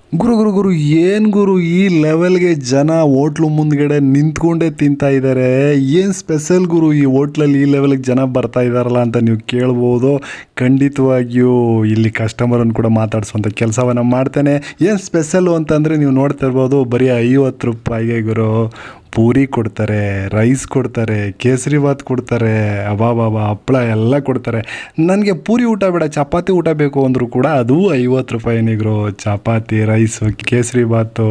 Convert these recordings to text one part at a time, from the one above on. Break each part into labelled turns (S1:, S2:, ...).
S1: ಗುರು ಗುರು ಗುರು ಏನು ಗುರು ಈ ಲೆವೆಲ್ಗೆ ಜನ ಹೋಟ್ಲು ಮುಂದ್ಗಡೆ ನಿಂತ್ಕೊಂಡೇ ತಿಂತಾ ಇದ್ದಾರೆ. ಏನು ಸ್ಪೆಷಲ್ ಗುರು ಈ ಹೋಟ್ಲಲ್ಲಿ ಈ ಲೆವೆಲ್ಗೆ ಜನ ಬರ್ತಾ ಇದ್ದಾರಲ್ಲ ಅಂತ ನೀವು ಕೇಳ್ಬೋದು. ಖಂಡಿತವಾಗಿಯೂ ಇಲ್ಲಿ ಕಸ್ಟಮರನ್ನು ಕೂಡ ಮಾತಾಡಿಸುವಂಥ ಕೆಲಸವನ್ನು ಮಾಡ್ತೇನೆ. ಏನು ಸ್ಪೆಷಲ್ಲು ಅಂತಂದರೆ ನೀವು ನೋಡ್ತಾ ಇರ್ಬೋದು, ಬರೀ 50 ರೂಪಾಯಿಗೆ ಗುರು ಪೂರಿ ಕೊಡ್ತಾರೆ, ರೈಸ್ ಕೊಡ್ತಾರೆ, ಕೇಸರಿ ಬಾತ್ ಕೊಡ್ತಾರೆ, ಅಬಾಬಾಬಾ ಹಪ್ಪಳ ಎಲ್ಲ ಕೊಡ್ತಾರೆ. ನನಗೆ ಪೂರಿ ಊಟ ಬೇಡ, ಚಪಾತಿ ಊಟ ಬೇಕು ಅಂದರೂ ಕೂಡ ಅದು 50 ರೂಪಾಯಿನೇ ಗುರು. ಚಪಾತಿ, ರೈಸು, ಕೇಸರಿ ಬಾತು,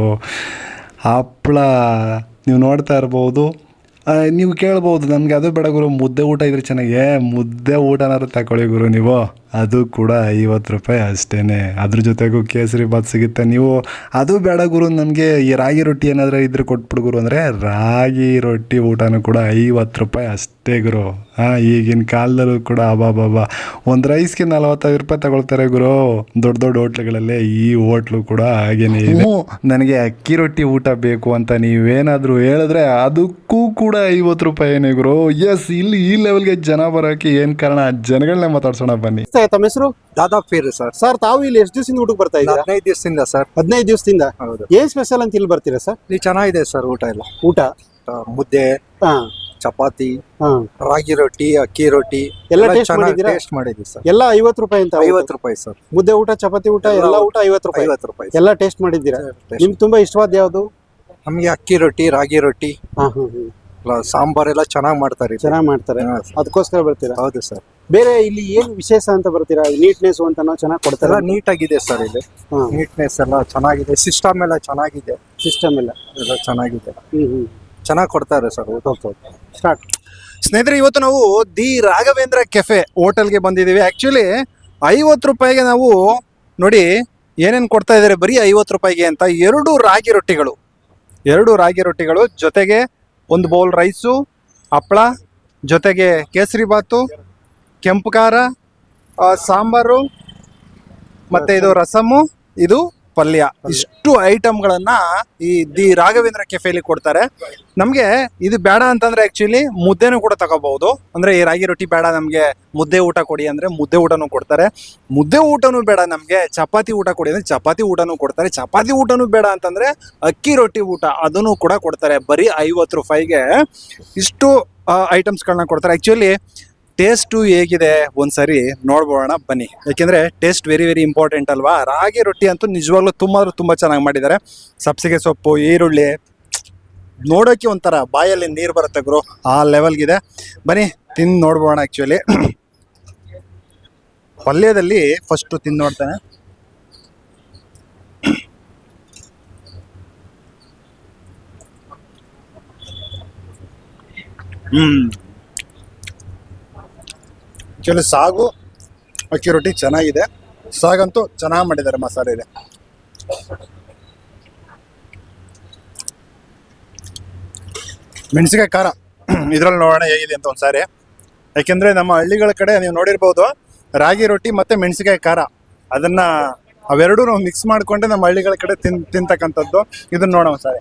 S1: ಹಪ್ಪಳ ನೀವು ನೋಡ್ತಾ ಇರ್ಬೋದು. ನೀವು ಕೇಳ್ಬೋದು ನನಗೆ ಅದು ಬೇಡ ಗುರು, ಮುದ್ದೆ ಊಟ ಇದ್ರೆ ಚೆನ್ನಾಗಿ. ಮುದ್ದೆ ಊಟನಾದ್ರು ತಗೊಳ್ಳಿ ಗುರು ನೀವು, ಅದು ಕೂಡ 50 ರೂಪಾಯಿ ಅಷ್ಟೇ. ಅದ್ರ ಜೊತೆಗೂ ಕೇಸರಿ ಬಾತ್ ಸಿಗುತ್ತೆ. ನೀವು ಅದು ಬೇಡ ಗುರು, ನಮಗೆ ಈ ರಾಗಿ ರೊಟ್ಟಿ ಏನಾದರೂ ಇದ್ರೆ ಕೊಟ್ಬಿಡು ಗುರು ಅಂದರೆ ರಾಗಿ ರೊಟ್ಟಿ ಊಟನೂ ಕೂಡ 50 ರೂಪಾಯಿ ಅಷ್ಟೇ ಗುರು. ಈಗಿನ ಕಾಲದಲ್ಲೂ ಕೂಡ ಅಬಾಬಾಬಾ ಒಂದು ರೈಸ್ಗೆ 45 ರೂಪಾಯಿ ತಗೊಳ್ತಾರೆ ಗುರು ದೊಡ್ಡ ದೊಡ್ಡ ಹೋಟ್ಲುಗಳಲ್ಲೇ. ಈ ಹೋಟ್ಲು ಕೂಡ ಹಾಗೇನೇ ಇದೆ. ನನಗೆ ಅಕ್ಕಿ ರೊಟ್ಟಿ ಊಟ ಬೇಕು ಅಂತ ನೀವೇನಾದರೂ ಹೇಳಿದ್ರೆ ಅದಕ್ಕೂ ಕೂಡ 50 ರೂಪಾಯಿನೇ ಗುರು. ಎಸ್, ಇಲ್ಲಿ ಈ ಲೆವೆಲ್ಗೆ ಜನ ಬರೋಕ್ಕೆ ಏನು ಕಾರಣ, ಜನಗಳನ್ನೇ ಮಾತಾಡ್ಸೋಣ ಬನ್ನಿ.
S2: ತಮ್ಮ ಹೆಸರು?
S3: ದಾದಾ ಫೀರ್ ಸರ್.
S2: ಸರ್, ತಾವು ಇಲ್ಲಿ ಎಷ್ಟು ದಿವಸದಿಂದ ಊಟಕ್ಕೆ ಬರ್ತಾ ಇದ್ದೀರಾ?
S3: 15 ದಿವಸದಿಂದ ಸರ್.
S2: 15 ದಿವಸದಿಂದ.
S3: ಹೌದು.
S2: ಏನ್ ಸ್ಪೆಷಲ್ ಅಂತ ಇಲ್ಲಿ ಬರ್ತೀರಾ ಸರ್?
S3: ಇಲ್ಲಿ ಚೆನ್ನಾಗಿದೆ ಸರ್ ಊಟ ಎಲ್ಲ.
S2: ಊಟ
S3: ಮುದ್ದೆ,
S2: ಹಾ
S3: ಚಪಾತಿ,
S2: ಹಾ
S3: ರಾಗಿ ರೊಟ್ಟಿ, ಅಕ್ಕಿ ರೊಟ್ಟಿ
S2: ಎಲ್ಲ taste ಮಾಡಿದ್ದೀರಾ?
S3: ಟೇಸ್ಟ್ ಮಾಡಿದ್ವಿ ಸರ್.
S2: ಎಲ್ಲ 50 ರೂಪಾಯಿ ಅಂತ.
S3: 50 ರೂಪಾಯಿ ಸರ್.
S2: ಮುದ್ದೆ ಊಟ, ಚಪಾತಿ ಊಟ, ಎಲ್ಲ ಊಟ 50 ರೂಪಾಯಿ.
S3: 50 ರೂಪಾಯಿ
S2: ಎಲ್ಲ ಟೇಸ್ಟ್ ಮಾಡಿದ್ದೀರಾ? ನಿಮ್ಗೆ ತುಂಬಾ ಇಷ್ಟವಾದ ಯಾವುದು?
S3: ನಮ್ಗೆ ಅಕ್ಕಿ ರೊಟ್ಟಿ, ರಾಗಿ ರೊಟ್ಟಿ,
S2: ಹಾ
S3: ಸಾಂಬಾರ್ ಎಲ್ಲ ಚೆನ್ನಾಗಿ ಮಾಡ್ತಾರೆ.
S2: ಚೆನ್ನಾಗಿ ಮಾಡ್ತಾರೆ,
S3: ಹಾ, ಸರ್.
S2: ಅದಕ್ಕೋಸ್ಕರ ಬರ್ತೀರಾ?
S3: ಹೌದು ಸರ್.
S2: ಬೇರೆ ಇಲ್ಲಿ ಏನು ವಿಶೇಷ ಅಂತ ಬರ್ತೀರಾ? ನೀಟ್ನೆಸ್ ಅಂತಾನೋ ಚೆನ್ನಾಗಿ ಕೊಡ್ತಾರೆ?
S3: ಎಲ್ಲ ನೀಟ್ ಆಗಿದೆ ಸರ್ ಇಲ್ಲಿ. ನೀಟ್ನೆಸ್ ಎಲ್ಲ ಚೆನ್ನಾಗಿದೆ, ಸಿಸ್ಟಮ್ ಎಲ್ಲ ಚೆನ್ನಾಗಿದೆ,
S2: ಸಿಸ್ಟಮ್ ಎಲ್ಲ
S3: ಎಲ್ಲ ಚೆನ್ನಾಗಿದೆ,
S2: ಹ್ಮ್
S3: ಚೆನ್ನಾಗಿ ಕೊಡ್ತಾರೆ ಸರ್ ಊಟ.
S2: ಸ್ಟಾರ್ಟ್.
S4: ಸ್ನೇಹಿತರೆ, ಇವತ್ತು ನಾವು ದಿ ರಾಘವೇಂದ್ರ ಕೆಫೆ ಹೋಟೆಲ್ಗೆ ಬಂದಿದ್ದೀವಿ. ಆ್ಯಕ್ಚುಲಿ 50 ರೂಪಾಯಿಗೆ ನಾವು ನೋಡಿ ಏನೇನು ಕೊಡ್ತಾ ಇದ್ದಾರೆ, ಬರೀ 50 ರೂಪಾಯಿಗೆ ಅಂತ. 2 ರಾಗಿ ರೊಟ್ಟಿಗಳು ಜೊತೆಗೆ ಒಂದು ಬೌಲ್ ರೈಸು, ಹಪ್ಪಳ, ಜೊತೆಗೆ ಕೇಸರಿ ಬಾತು, ಕೆಂಪು ಖಾರ, ಸಾಂಬಾರು, ಮತ್ತು ಇದು ರಸಮ್ಮು, ಇದು ಪಲ್ಯ. ಇಷ್ಟು ಐಟಮ್ಗಳನ್ನ ಈ ದಿ ರಾಘವೇಂದ್ರ ಕೆಫೆಲಿ ಕೊಡ್ತಾರೆ. ನಮಗೆ ಇದು ಬೇಡ ಅಂತಂದ್ರೆ ಆ್ಯಕ್ಚುಲಿ ಮುದ್ದೆನೂ ಕೂಡ ತಗೋಬಹುದು. ಅಂದರೆ ಈ ರಾಗಿ ರೊಟ್ಟಿ ಬೇಡ ನಮಗೆ, ಮುದ್ದೆ ಊಟ ಕೊಡಿ ಅಂದರೆ ಮುದ್ದೆ ಊಟನೂ ಕೊಡ್ತಾರೆ. ಮುದ್ದೆ ಊಟನೂ ಬೇಡ ನಮಗೆ, ಚಪಾತಿ ಊಟ ಕೊಡಿ ಅಂದರೆ ಚಪಾತಿ ಊಟನೂ ಕೊಡ್ತಾರೆ. ಚಪಾತಿ ಊಟನೂ ಬೇಡ ಅಂತಂದರೆ ಅಕ್ಕಿ ರೊಟ್ಟಿ ಊಟ ಅದನ್ನು ಕೂಡ ಕೊಡ್ತಾರೆ. ಬರೀ 50 ರೂಪಾಯಿಗೆ ಇಷ್ಟು ಐಟಮ್ಸ್ಗಳನ್ನ ಕೊಡ್ತಾರೆ. ಆ್ಯಕ್ಚುಲಿ ಟೇಸ್ಟು ಹೇಗಿದೆ ಒಂದ್ಸರಿ ನೋಡ್ಬೋಣ ಬನ್ನಿ, ಯಾಕೆಂದರೆ ಟೇಸ್ಟ್ ವೆರಿ ವೆರಿ ಇಂಪಾರ್ಟೆಂಟ್ ಅಲ್ವಾ. ರಾಗಿ ರೊಟ್ಟಿ ಅಂತೂ ನಿಜವಾಗ್ಲೂ ತುಂಬ ಚೆನ್ನಾಗಿ ಮಾಡಿದ್ದಾರೆ. ಸಬ್ಸಿಗೆ ಸೊಪ್ಪು, ಈರುಳ್ಳಿ ನೋಡೋಕ್ಕೆ ಒಂಥರ ಬಾಯಲ್ಲಿ ನೀರು ಬರುತ್ತೆ ಗುರು, ಆ ಲೆವೆಲ್ಗಿದೆ. ಬನ್ನಿ ತಿಂದು ನೋಡ್ಬೋಣ. ಆ್ಯಕ್ಚುಲಿ ಪಲ್ಯದಲ್ಲಿ ಫಸ್ಟು ತಿಂದು ನೋಡ್ತಾನೆ. ಆ್ಯಕ್ಚುಲಿ ಸಾಗು ಅಕ್ಕಿ ರೊಟ್ಟಿ ಚೆನ್ನಾಗಿದೆ. ಸಾಗಂತೂ ಚೆನ್ನಾಗಿ ಮಾಡಿದ್ದಾರೆ, ಮಸಾಲೆ ಇದೆ. ಮೆಣಸಿಕಾಯಿ ಖಾರ ಇದರಲ್ಲಿ ನೋಡೋಣ ಹೇಗಿದೆ ಅಂತ ಒಂದ್ಸಾರಿ. ಯಾಕೆಂದರೆ ನಮ್ಮ ಹಳ್ಳಿಗಳ ಕಡೆ ನೀವು ನೋಡಿರ್ಬೋದು, ರಾಗಿ ರೊಟ್ಟಿ ಮತ್ತು ಮೆಣಸಿಕಾಯಿ ಖಾರ ಅವೆರಡೂ ನಾವು ಮಿಕ್ಸ್ ಮಾಡಿಕೊಂಡೆ ನಮ್ಮ ಹಳ್ಳಿಗಳ ಕಡೆ ತಿಂತಕ್ಕಂಥದ್ದು. ಇದನ್ನ ನೋಡೋಣ ಒಂದ್ಸಾರಿ.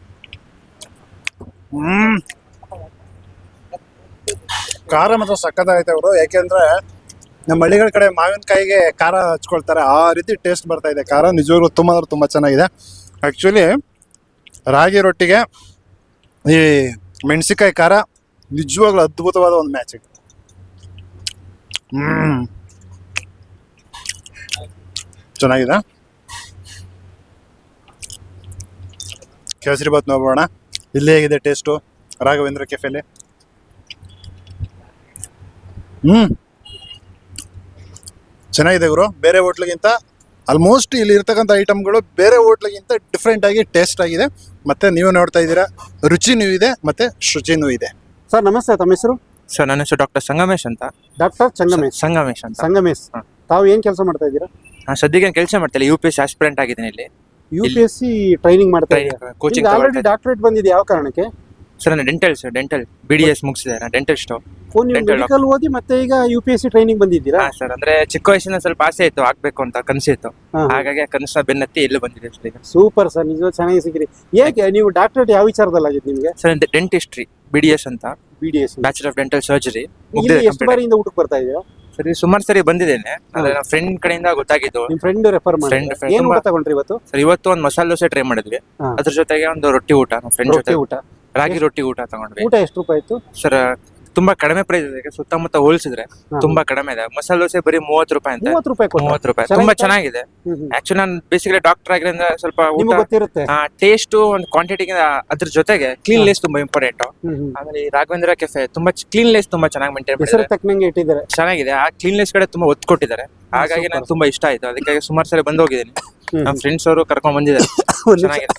S4: ಖಾರ ಮಾತ್ರ ಸಕ್ಕತ್ತಾಗೈತೆ ಅವರು. ಯಾಕೆಂದರೆ ನಮ್ಮ ಹಳ್ಳಿಗಳ ಕಡೆ ಮಾವಿನಕಾಯಿಗೆ ಖಾರ ಹಚ್ಕೊಳ್ತಾರೆ, ಆ ರೀತಿ ಟೇಸ್ಟ್ ಬರ್ತಾ ಇದೆ. ಖಾರ ನಿಜವಾಗ್ಲೂ ತುಂಬ ಚೆನ್ನಾಗಿದೆ. ಆ್ಯಕ್ಚುಲಿ ರಾಗಿ ರೊಟ್ಟಿಗೆ ಈ ಮೆಣಸಿಕಾಯಿ ಖಾರ ನಿಜವಾಗ್ಲೂ ಅದ್ಭುತವಾದ ಒಂದು ಮ್ಯಾಚ್. ಚೆನ್ನಾಗಿದೆ. ಕೇಸರಿ ಬಾತ್ ನೋಡೋಣ ಇಲ್ಲಿ ಹೇಗಿದೆ ಟೇಸ್ಟು ರಾಘವೇಂದ್ರ ಕೆಫೆಲಿ. ಚೆನ್ನಾಗಿದೆ ಗುರು. ಬೇರೆ ಹೋಟ್ಲಿಗಿಂತ ಆಲ್ಮೋಸ್ಟ್ ಇಲ್ಲಿ ಇರ್ತಕ್ಕಂಥ ಐಟಮ್ಗಳು ಬೇರೆ ಹೋಟ್ಲಿಗಿಂತ ಡಿಫ್ರೆಂಟ್ ಆಗಿ ಟೇಸ್ಟ್ ಆಗಿದೆ. ಮತ್ತೆ ನೀವು ನೋಡ್ತಾ ಇದ್ದೀರಾ, ರುಚಿನೂ ಇದೆ ಮತ್ತೆ ಶುಚಿನೂ ಇದೆ.
S2: ಸರ್ ನಮಸ್ತೆ, ತಮ್ಮ ಹೆಸರು?
S5: ಸರ್ ನನ್ನ ಹೆಸರು ಡಾಕ್ಟರ್ ಸಂಗಮೇಶ್ ಅಂತ.
S2: ಡಾಕ್ಟರ್
S5: ಸಂಗಮೇಶ್ ಅಂತ.
S2: ಸಂಗಮೇಶ್, ತಾವು ಏನ್ ಕೆಲಸ ಮಾಡ್ತಾ ಇದ್ದೀರಾ?
S5: ನಾನು ಸದ್ಯಕ್ಕೆ ಕೆಲಸ ಮಾಡ್ತಿಲ್ಲ, UPSC ಆಸ್ಪಿರೆಂಟ್ ಆಗಿದ್ದೀನಿ ಇಲ್ಲಿ.
S2: UPSC ಟ್ರೈನಿಂಗ್ ಮಾಡ್ತಾ ಇದ್ದೀರಾ?
S5: ಕೋಚಿಂಗ್
S2: ಆಲ್ರೆಡಿ ಡಾಕ್ಟರೇಟ್ ಬಂದಿದೆ, ಯಾವ ಕಾರಣಕ್ಕೆ?
S5: ಸರ್ ನಾನು ಡೆಂಟಲ್ BDS ಮುಗಿಸಿದೆ, ಡೆಂಟಲ್ ಸ್ಟಾಫ್.
S2: ನೀವು ಮೆಡಿಕಲ್ ಓದಿ ಮತ್ತೆ ಈಗ UPSC ಟ್ರೈನಿಂಗ್ ಬಂದಿದ್ದೀರಾ?
S5: ಸರ್ ಅಂದ್ರೆ ಚಿಕ್ಕ ವಯಸ್ಸಿನ ಸ್ವಲ್ಪ ಆಸೆ ಇತ್ತು, ಆಗ್ಬೇಕು ಅಂತ ಕನಸಿತ್ತು. ಹಾಗಾಗಿ ಕನಸನ್ನ ಬೆನ್ನತ್ತಿ ಇಲ್ಲಿ ಬಂದಿದೆ ಸರ್ ಈಗ.
S2: ಸೂಪರ್ ಸರ್, ನಿಜವಾಗ್ಲೂ ಚೆನ್ನಾಗಿ ಸಿಕ್ಕಿರಿ. ಹೇಗೆ ನೀವು ಡಾಕ್ಟರೇಟ್ ಯಾವ ವಿಚಾರದಲ್ಲಿ ಆಗಿತ್ತು ನಿಮಗೆ?
S5: ಸರ್ ಡೆಂಟಿಸ್ಟ್ರಿ BDS ಅಂತ,
S2: BDS,
S5: bachelor of dental surgery.
S2: ಎಷ್ಟು ಬಾರಿಯಿಂದ ಊಟಕ್ಕೆ ಬರ್ತಾ ಇದೆಯಾ?
S5: ಸರಿ ಸುಮಾರು ಸರಿ ಬಂದಿದ್ದೇನೆ ಆದ್ರೆ ನಮ್ಮ ಫ್ರೆಂಡ್ ಕಡೆಯಿಂದ ಗೊತ್ತಾಗಿದ್ದು.
S2: ನಿಮ್ ಫ್ರೆಂಡ್ ರೆಫರ್ ಮಾಡಿ
S5: Friend
S2: ಏನ್ ಊಟ
S5: ತುಂಬಾ-
S2: ತಗೊಂಡ್ರಿ ಇವತ್ತು?
S5: ಸರ್ ಇವತ್ತು ಒಂದು ಮಸಾಲೆ ದೋಸೆ ಟ್ರೈ ಮಾಡಿದ್ವಿ,
S2: ಹಾ.
S5: ಅದ್ರ ಜೊತೆಗೆ ಒಂದು ರೊಟ್ಟಿ ಊಟ ನಮ್ಮ ಫ್ರೆಂಡ್ ಜೊತೆ
S2: ರೊಟ್ಟಿ ಊಟ.
S5: ರಾಗಿ ರೊಟ್ಟಿ ಊಟ ತಗೊಂಡ್ವಿ.
S2: ಊಟ ಎಷ್ಟು ರೂಪಾಯಿ ಇತ್ತು?
S5: ಸರ್ ತುಂಬಾ ಕಡಿಮೆ ಪ್ರೈಸ್ ಇದೆ, ಸುತ್ತಮುತ್ತ ಹೋಲಿಸಿದ್ರೆ ತುಂಬಾ ಕಡಿಮೆ ಇದೆ. ಮಸಾಲೆ ದೋಸೆ ಬರೀ 30 ರೂಪಾಯಿ ಅಂತ.
S2: 30 ರೂಪಾಯಿ ಕೊಟ್ಟ?
S5: 30 ರೂಪಾಯಿ ತುಂಬಾ ಚೆನ್ನಾಗಿದೆ. ಆಕ್ಚುಲಿ ನಾನು ಬೇಸಿಕಲಿ ಡಾಕ್ಟರ್ ಆಗಿರೋದ್ರಿಂದ ಸ್ವಲ್ಪ ಊಟ
S2: ನಿಮ್ಗೆ ಗೊತ್ತಿರುತ್ತೆ.
S5: ಟೇಸ್ಟ್ ಒಂದು ಕ್ವಾಂಟಿಟಿಗೆ ಅದ್ರ ಜೊತೆಗೆ ಕ್ಲೀನ್ಲೆಸ್ ತುಂಬಾ ಇಂಪಾರ್ಟೆಂಟ್. ಆಮೇಲೆ ಈ ರಾಘವೇಂದ್ರ ಕೆಫೆ ತುಂಬಾ ಕ್ಲೀನ್ಲೆಸ್ ತುಂಬಾ ಚೆನ್ನಾಗಿ ಮೇಂಟೈನ್
S2: ಹೆಸರು
S5: ಮಾಡಿದ್ದಾರೆ,
S2: ತಕ್ಕನಂಗೆ ಇಟ್ಟಿದ್ದಾರೆ.
S5: ಚೆನ್ನಾಗಿದೆ. ಆ ಕ್ಲೀನ್ಲೆಸ್ ಕಡೆ ತುಂಬಾ ಒತ್ತು ಕೊಟ್ಟಿದ್ದಾರೆ, ಹಾಗಾಗಿ ನಂಗೆ ತುಂಬಾ ಇಷ್ಟ ಆಯ್ತು. ಅದಕ್ಕಾಗಿ ಸುಮಾರು ಸಲ ಬಂದು ಹೋಗಿದ್ದೀನಿ. ನಮ್ಮ ಫ್ರೆಂಡ್ಸ್ ಅವರು ಕರ್ಕೊಂಡ್ ಬಂದಿದ್ದಾರೆ, ಚೆನ್ನಾಗಿದೆ.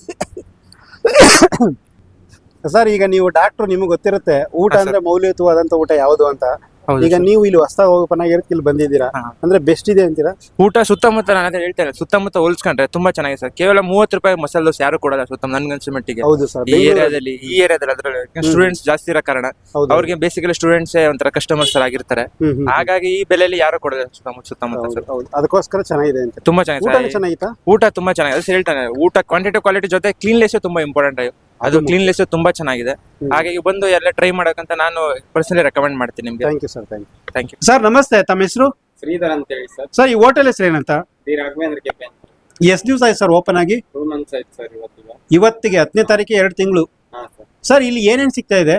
S2: ಸರ್ ಈಗ ನೀವು ಡಾಕ್ಟರ್, ನಿಮ್ಗೆ ಗೊತ್ತಿರುತ್ತೆ ಊಟ
S5: ಹಾ,
S2: ಅಂದ್ರೆ ಮೌಲ್ಯಯುತವಾದಂತ ಊಟ ಯಾವುದು ಅಂತ.
S5: ಹೌದು
S2: ಈಗ
S5: ಸರ್.
S2: ನೀವು ಇಲ್ಲಿ ಹೊಸದಾಗಿ ಹೋಗೋಪನಾಗಿರಕ್ಕೆ ಇಲ್ಲಿ ಬಂದಿದ್ದೀರಾ,
S5: ಹಾ.
S2: ಅಂದ್ರೆ ಬೆಸ್ಟ್ ಇದೆ ಅಂತೀರಾ?
S5: ಊಟ ಸುತ್ತಮುತ್ತ ನಾನು ಅದೇ ಹೇಳ್ತೇನೆ, ಸುತ್ತಮುತ್ತ ಹೋಲಿಸ್ಕೊಂಡ್ರೆ ತುಂಬಾ ಚೆನ್ನಾಗಿದೆ ಸರ್. ಕೇವಲ 30 ರೂಪಾಯಿ ಮಸಾಲೆ ದೋಸೆ ಯಾರು ಕೊಡಲ್ಲ ಸುತ್ತ ನನ್ಗನ್ಸೋ ಮಟ್ಟಿಗೆ.
S2: ಹೌದು ಸರ್.
S5: ಈ ಏರಿಯಾದಲ್ಲಿ ಅದ್ರಲ್ಲಿ ಸ್ಟೂಡೆಂಟ್ಸ್ ಜಾಸ್ತಿ ಇರೋ ಕಾರಣ ಅವ್ರಿಗೆ ಬೇಸಿಕಲಿ ಸ್ಟೂಡೆಂಟ್ಸ್ ಒಂಥರ ಕಸ್ಟಮರ್ಸ್ ಆಗಿರ್ತಾರೆ, ಹಾಗಾಗಿ ಈ ಬೆಲೆಯಲ್ಲಿ ಯಾರು ಕೊಡಲ್ಲ ಸುತ್ತಮುತ್ತ ಸರ್.
S2: ಅದಕ್ಕೋಸ್ಕರ ಚೆನ್ನಾಗಿದೆ ಅಂತ.
S5: ತುಂಬಾ ಚೆನ್ನಾಗಿದೆ
S2: ಊಟ
S5: ಸರ್.
S2: ಚೆನ್ನಾಗಿತ್ತಾ?
S5: ಊಟ ತುಂಬಾ ಚೆನ್ನಾಗಿದೆ ಸರ್, ಹೇಳ್ತಾನೆ. ಊಟ ಕ್ವಾಂಟಿಟಿ ಕ್ವಾಲಿಟಿ ಜೊತೆ ಕ್ಲೀನ್ಲೆಸ್ ತುಂಬಾ ಇಂಪಾರ್ಟೆಂಟ್. ಅದು ಕ್ಲೀನ್ಲೆಸ್ ತುಂಬಾ ಚೆನ್ನಾಗಿದೆ, ಹಾಗಾಗಿ ಬಂದು ಎಲ್ಲ ಟ್ರೈ ಮಾಡಕ್ಕಂತ ನಾನು ಪರ್ಸನಲಿ ರೆಕಮೆಂಡ್ ಮಾಡ್ತೀನಿ ನಿಮ್ಗೆ.
S2: Thank you sir.
S5: Thank you.
S2: Sir ನಮಸ್ತೆ, ತಮ್ಮ ಹೆಸರು?
S6: ಶ್ರೀಧರ್ ಅಂತ ಹೇಳಿ ಸರ್.
S2: ಸರ್ ಈ ಹೋಟೆಲ್ ಹೆಸರು ಏನಂತ?
S6: The Raghavendra cafe.
S2: ಎಷ್ಟು ದಿವಸ ಆಯ್ತು ಸರ್ ಓಪನ್ ಆಗಿ?
S6: 2 months ಆಯ್ತು ಸರ್ ಇವತ್ತಿಗೆ.
S2: ಇವತ್ತಿಗೆ 10ನೇ ತಾರೀಕಿಗೆ 2 ತಿಂಗಳು.
S6: ಹಾ ಸರ್.
S2: ಸರ್ ಇಲ್ಲಿ ಏನೇನ್ ಸಿಗ್ತಾ ಇದೆ?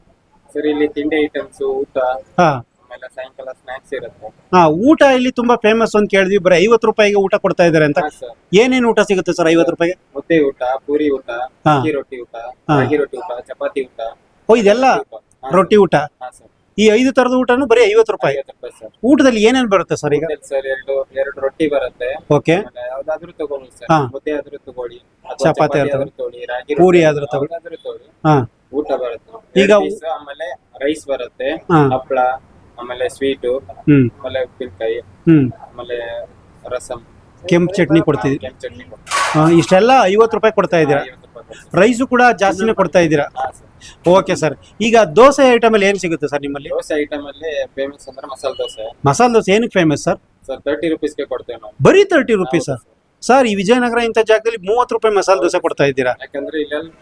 S6: ಸರ್ ಇಲ್ಲಿ ತಿಂಡಿ ಐಟಮ್ಸ್, ಊಟ,
S2: ಹಾ
S6: ಆಮೇಲೆ ಸಾಯಂಕಾಲ ಸ್ನಾಕ್ಸ್ ಇರುತ್ತೆ.
S2: ಹಾ, ಊಟ ಇಲ್ಲಿ ತುಂಬಾ ಫೇಮಸ್ ಅಂತ ಕೇಳಿದ್ವಿ. ಬರೀ 50 ರೂಪಾಯಿಗೆ ಊಟ ಕೊಡ್ತಾ ಇದಾರೆ ಅಂತ.
S6: ಹಾ ಸರ್.
S2: ಏನೇನ್ ಊಟ ಸಿಗುತ್ತೆ ಸರ್ 50 ರೂಪಾಯಿಗೆ?
S6: ಮುದ್ದೆ ಊಟ, ಪೂರಿ ಊಟ,
S2: ಹಾ.
S6: ಅಕ್ಕಿ ರೊಟ್ಟಿ ಊಟ,
S2: ಹಾ.
S6: ರಾಗಿ ರೊಟ್ಟಿ ಊಟ, ಚಪಾತಿ ಊಟ.
S2: ಓ, ಇದೆಲ್ಲ
S6: ಹಾ,
S2: ರೊಟ್ಟಿ ಊಟ.
S6: ಹಾ ಸರ್.
S2: ಈ 5 ತರದ ಊಟನು ಬರೀ 50 ರೂಪಾಯಿ.
S6: 50 ರೂಪಾಯಿ ಸರ್.
S2: ಊಟದಲ್ಲಿ ಏನೇನ್ ಬರುತ್ತೆ ಸರ್ ಈಗ?
S6: ಊಟದಲ್ಲಿ ಸರ್ ಎರಡು ರೊಟ್ಟಿ ಬರುತ್ತೆ.
S2: ಓಕೆ.
S6: ಆಮೇಲೆ ಯಾವ್ದಾದ್ರು ತಗೊಳ್ಳಿ ಸರ್.
S2: ಹಾ.
S6: ಮುದ್ದೆ ಆದ್ರೂ ತಗೊಳ್ಳಿ, ಅಥವಾ
S2: ಚಪಾತಿ
S6: ಚಪಾತಿ
S2: ಆದ್ರೂ
S6: ಆದ್ರೂ ತಗೊಳ್ಳಿ, ರಾಗಿ
S2: ಪೂರಿ
S6: ರೊಟ್ಟಿ
S2: ಆದ್ರೂ ತಗೊಳ್ಳಿ.
S6: ಯಾವ್ದಾದ್ರೂ ತಗೊಳ್ಳಿ.
S2: ಹಾ.
S6: ಊಟ ಬರುತ್ತೆ.
S2: ಈಗ
S6: ಎರಡು piece, ಆಮೇಲೆ ರೈಸ್ ಬರುತ್ತೆ,
S2: ಹಾ.
S6: ಹಪ್ಪಳ, ಆಮೇಲೆ ಸ್ವೀಟು,
S2: ಹ್ಮ್
S6: ಆಮೇಲೆ ಉಪ್ಪಿನಕಾಯಿ,
S2: ಹ್ಮ್
S6: ಆಮೇಲೆ ರಸಂ,
S2: ಕೆಂಪು ಚಟ್ನಿ ಕೊಡ್ತೀವಿ.
S6: ಕೆಂಪು ಚಟ್ನಿ
S2: ಇಷ್ಟೆಲ್ಲ 50 ರೂಪಾಯಿ ಕೊಡ್ತಾ ಇದ್ದೀರಾ.
S6: 50 ರೂಪಾಯಿ ಕೊಡ್ತೀವಿ.
S2: ರೈಸು ಕೂಡ ಜಾಸ್ತಿನೇ ಕೊಡ್ತಾ ಇದ್ದೀರಾ.
S6: ಹಾ ಸರ್.
S2: Okay sir. ಈಗ ದೋಸೆ ಐಟಮ್ ಅಲ್ಲಿ ಏನ್ ಸಿಗುತ್ತೆ ಸರ್ ನಿಮ್ಮಲ್ಲಿ?
S6: ದೋಸೆ ಐಟಮ್ ಅಲ್ಲಿ ಫೇಮಸ್ ಅಂದ್ರೆ ಮಸಾಲೆ ದೋಸೆ
S2: ಮಸಾಲೆ ದೋಸೆ ಏನಕ್ಕೆ ಫೇಮಸ್ ಸರ್?
S6: ಸರ್ 30 ರುಪೀಸ್ಗೆ ಕೊಡ್ತೇವೆ ನಾವು.
S2: ಬರೀ 30 ರುಪೀಸ್ ಸರ್? ಈ ವಿಜಯನಗರ ಇಂಥ ಜಾಗದಲ್ಲಿ 30 ರೂಪಾಯಿ ಮಸಾಲೆ ದೋಸೆ ಕೊಡ್ತಾ ಇದ್ದೀರಾ.
S6: ಯಾಕಂದ್ರೆ ಇಲ್ಲೆಲ್ಲ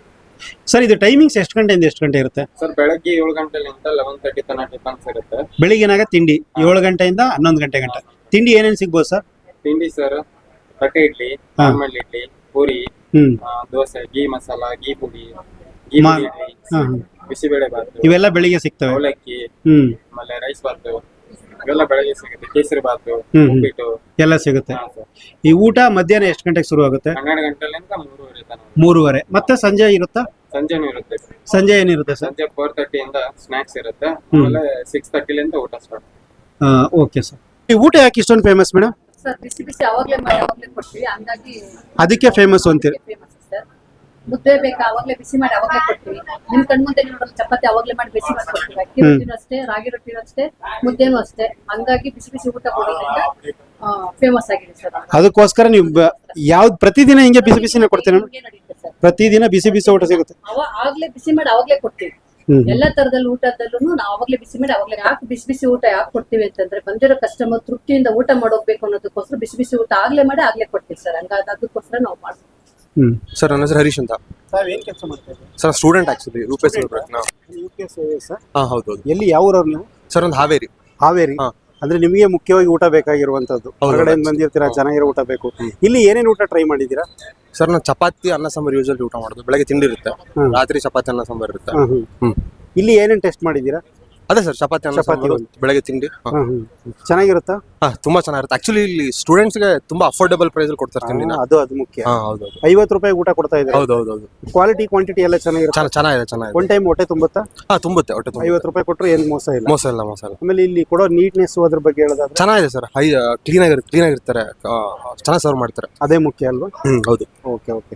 S2: ಸರ್ ಇದು ಟೈಮಿಂಗ್ಸ್ ಎಷ್ಟು ಗಂಟೆಯಿಂದ ಎಷ್ಟು ಗಂಟೆ ಇರುತ್ತೆ?
S6: ಸರ್ ಬೆಳಗ್ಗೆ 7 ಗಂಟೆಲಿಂದ 11:30 ತನಕ ಟಿಫನ್ಸ್ ಇರುತ್ತೆ.
S2: ಬೆಳಿಗ್ಗೆನಾಗ ತಿಂಡಿ 7 ಗಂಟೆಯಿಂದ 11 ಗಂಟೆ ಗಂಟೆ. ತಿಂಡಿ ಏನೇನು ಸಿಗ್ಬೋದು ಸರ್?
S6: ತಿಂಡಿ ಸರ್ ತಟ್ಟೆ ಇಡ್ಲಿ,
S2: ಹಾ.
S6: ನಾರ್ಮಲ್ ಇಡ್ಲಿ, ಪೂರಿ,
S2: ಹ್ಮ್
S6: dosa, ghee masala, ghee pudi, ghee
S2: ಮಾ-
S6: ಇಡ್ಲಿ,
S2: ಹಾ.
S6: ಬಿಸಿಬೇಳೆ ಬಾತು,
S2: ಇವೆಲ್ಲ ಬೆಳಿಗ್ಗೆ ಸಿಗ್ತವೆ.
S6: ಅವಲಕ್ಕಿ,
S2: ಹ್ಮ್
S6: ಆಮೇಲೆ ರೈಸ್ ಬಾತು, ಇವೆಲ್ಲ ಬೆಳಗ್ಗೆ ಸಿಗುತ್ತೆ. ಕೇಸರಿ ಬಾತು,
S2: ಹ್ಮ್.
S6: ಉಪ್ಪಿಟ್ಟು.
S2: ಎಲ್ಲ ಸಿಗುತ್ತೆ.
S6: ಹಾ ಸರ್.
S2: ಈ ಊಟ ಮಧ್ಯಾಹ್ನ ಎಷ್ಟು ಗಂಟೆಗೆ ಶುರು ಆಗುತ್ತೆ?
S6: 12 ಗಂಟೆಲಿಂದ 3:30 ತನಕ.
S2: 3:30. ಮತ್ತೆ ಸಂಜೆ ಇರುತ್ತಾ?
S6: ಸಂಜೆನೂ ಇರುತ್ತೆ.
S2: ಸಂಜೆ ಏನಿರುತ್ತೆ ಸರ್?
S6: ಸಂಜೆ 4:30 ಇಂದ ಸ್ನಾಕ್ಸ್ ಇರುತ್ತೆ, ಆಮೇಲೆ 6:30 ಊಟ ಸ್ಟಾರ್ಟ್.
S2: Okay sir. ಈ ಊಟ ಯಾಕೆ ಇಷ್ಟೊಂದು ಫೇಮಸ್ ಮೇಡಮ್?
S7: ಸರ್ ಬಿಸಿ ಬಿಸಿ ಅವಾಗ್ಲೇ ಮಾಡಿ ಅವಾಗ್ಲೇ ಕೊಡ್ತೀವಿ, ಹಂಗಾಗಿ
S2: ಅದಕ್ಕೆ ಫೇಮಸ್ ಅಂತೀರಿ?
S7: Famous sir. ಮುದ್ದೆ ಬೇಕಾ ಅವಾಗ್ಲೇ ಬಿಸಿ ಮಾಡಿ ಅವಾಗ್ಲೇ ಕೊಡ್ತೀವಿ. ನಿಮ್ ಕಣ್ಮುಂದೆ ನೋಡೋದು ಚಪಾತಿ ಅವಾಗ್ಲೇ ಮಾಡಿ ಬಿಸಿ ಮಾಡಿ ಕೊಡ್ತೀವಿ. ಅಕ್ಕಿ ರೊಟ್ಟಿನೂ ಅಷ್ಟೇ, ರಾಗಿ ರೊಟ್ಟಿನೂ ಅಷ್ಟೇ, ಮುದ್ದೆನೂ ಅಷ್ಟೇ. ಹಂಗಾಗಿ ಬಿಸಿ ಬಿಸಿ ಊಟ ಕೊಡೋದ್ರಿಂದ ಫೇಮಸ್ ಆಗಿದೆ ಸರ್.
S2: ಅದಕ್ಕೋಸ್ಕರ ನೀವು ಯಾವ್ದು ಪ್ರತಿದಿನ ಹಿಂಗೆ ಬಿಸಿ ಬಿಸಿನೇ ಕೊಡ್ತೀರಾ?
S7: ಹಿಂಗೆ ನಡೆಯುತ್ತೆ ಸರ್.
S2: ಪ್ರತಿದಿನ ಬಿಸಿ ಬಿಸಿ ಊಟ ಸಿಗುತ್ತೆ.
S7: ಆಗ್ಲೇ ಬಿಸಿ ಮಾಡಿ ಅವಾಗ್ಲೇ ಕೊಡ್ತೀವಿ. ಎಲ್ಲಾ ತರದಲ್ಲಿ ಊಟದಲ್ಲೂ ನಾವು ಅವಾಗ್ಲೇ ಬಿಸಿ ಮಾಡಿ ಅವಾಗ್ಲೇ. ಯಾಕೆ ಬಿಸಿ ಬಿಸಿ ಊಟ ಯಾಕೆ ಕೊಡ್ತೀವಿ ಅಂತಂದ್ರೆ ಬಂದಿರೋ ಕಸ್ಟಮರ್ ತೃಪ್ತಿಯಿಂದ ಊಟ ಮಾಡೋಗ್ಬೇಕು ಅನ್ನೋದಕ್ಕೋಸ್ಕರ ಬಿಸಿ ಬಿಸಿ ಊಟ ಆಗ್ಲೇ ಮಾಡಿ ಆಗ್ಲೇ ಕೊಡ್ತೀವಿ ಸರ್. ಹಂಗಾಗಿ ಅದಕ್ಕೋಸ್ಕರ ನಾವು ಮಾಡ್ತೀವಿ.
S8: ಸರ್ ನನ್ನ ಹೆಸರು ಹರೀಶ್ ಅಂತ.
S2: ತಾವ್ ಏನ್ ಕೆಲಸ ಮಾಡ್ತಾ ಇದ್ದೀರಿ?
S8: ಸರ್ ಸ್ಟೂಡೆಂಟ್ ಆಕ್ಚುಲಿ ರೂಪೇಶ್ ಪ್ರಯತ್ನ.
S2: ಸರ್
S8: ಹಾ ಹೌದು.
S2: ಎಲ್ಲಿ ಯಾವ ಊರವ್ರು ನೀವು?
S8: ಸರ್ ಒಂದು ಹಾವೇರಿ.
S2: ಹಾವೇರಿ.
S8: ಹಾ.
S2: ಅಂದ್ರೆ ನಿಮಗೆ ಮುಖ್ಯವಾಗಿ ಊಟ ಬೇಕಾಗಿರುವಂತದ್ದು. ಹೊರಗಡೆ ಬಂದಿರ್ತೀರಾ, ಚೆನ್ನಾಗಿರೋ ಊಟ ಬೇಕು. ಇಲ್ಲಿ ಏನೇನು ಊಟ ಟ್ರೈ ಮಾಡಿದ್ದೀರಾ?
S8: ಸರ್ ನಾನು ಚಪಾತಿ ಅನ್ನ ಸಾಂಬಾರ್ ಯೂಶಲಿ ಊಟ ಮಾಡೋದು. ಬೆಳಗ್ಗೆ ತಿಂಡಿ ಇರುತ್ತೆ, ರಾತ್ರಿ ಚಪಾತಿ ಅನ್ನ ಸಾಂಬಾರ್ ಇರುತ್ತೆ.
S2: ಇಲ್ಲಿ ಏನೇನು ಟೆಸ್ಟ್ ಮಾಡಿದ್ದೀರಾ?
S8: ಅದೇ ಸರ್ ಚಪಾತಿ ಅನ್ನ
S2: ಚಪಾತಿ
S8: ಸಾಂಬಾರು, ಬೆಳಗ್ಗೆ ತಿಂಡಿ.
S2: ಚೆನ್ನಾಗಿರುತ್ತಾ?
S8: ಹಾ ತುಂಬಾ ಚೆನ್ನಾಗಿರುತ್ತೆ. ಆಕ್ಚುಲಿ ಇಲ್ಲಿ ಸ್ಟೂಡೆಂಟ್ಸ್ಗೆ ತುಂಬಾ ಅಫೋರ್ಡಬಲ್ ಪ್ರೈಸ್ ಅಲ್ಲಿ ಕೊಡ್ತಾರೆ ತಿಂಡಿನ.
S2: ಅದು ಮುಖ್ಯ.
S8: ಹಾ ಹೌದು.
S2: 50 ರೂಪಾಯಿ ಊಟ ಕೊಡ್ತಾ ಇದ್ದಾರೆ.
S8: ಹೌದು.
S2: ಕ್ವಾಲಿಟಿ ಕ್ವಾಂಟಿಟಿ ಎಲ್ಲ ಚೆನ್ನಾಗಿರುತ್ತೆ.
S8: ಚೆನ್ನಾಗಿದೆ.
S2: ಒನ್ ಟೈಮ್ ಹೊಟ್ಟೆ ತುಂಬುತ್ತಾ?
S8: ಹಾ ತುಂಬುತ್ತೆ ಹೊಟ್ಟೆ.
S2: 50 ರೂಪಾಯಿ ಕೊಟ್ಟರು ಏನು ಮೋಸ ಇಲ್ಲ.
S8: ಮೋಸ ಇಲ್ಲ.
S2: ಆಮೇಲೆ ಇಲ್ಲಿ ಕೊಡೋ ನೀಟ್ನೆಸ್ ಅದ್ರ ಬಗ್ಗೆ ಹೇಳೋದಾದ್ರೆ
S8: ಚೆನ್ನಾಗಿದೆ ಸರ್. ಕ್ಲೀನ್ ಆಗಿರ್ತಾರೆ, ಚೆನ್ನಾಗಿ ಸರ್ವ್ ಮಾಡ್ತಾರೆ.
S2: ಅದೇ ಮುಖ್ಯ ಅಲ್ವಾ?
S8: ಹೌದು.
S2: ಓಕೆ.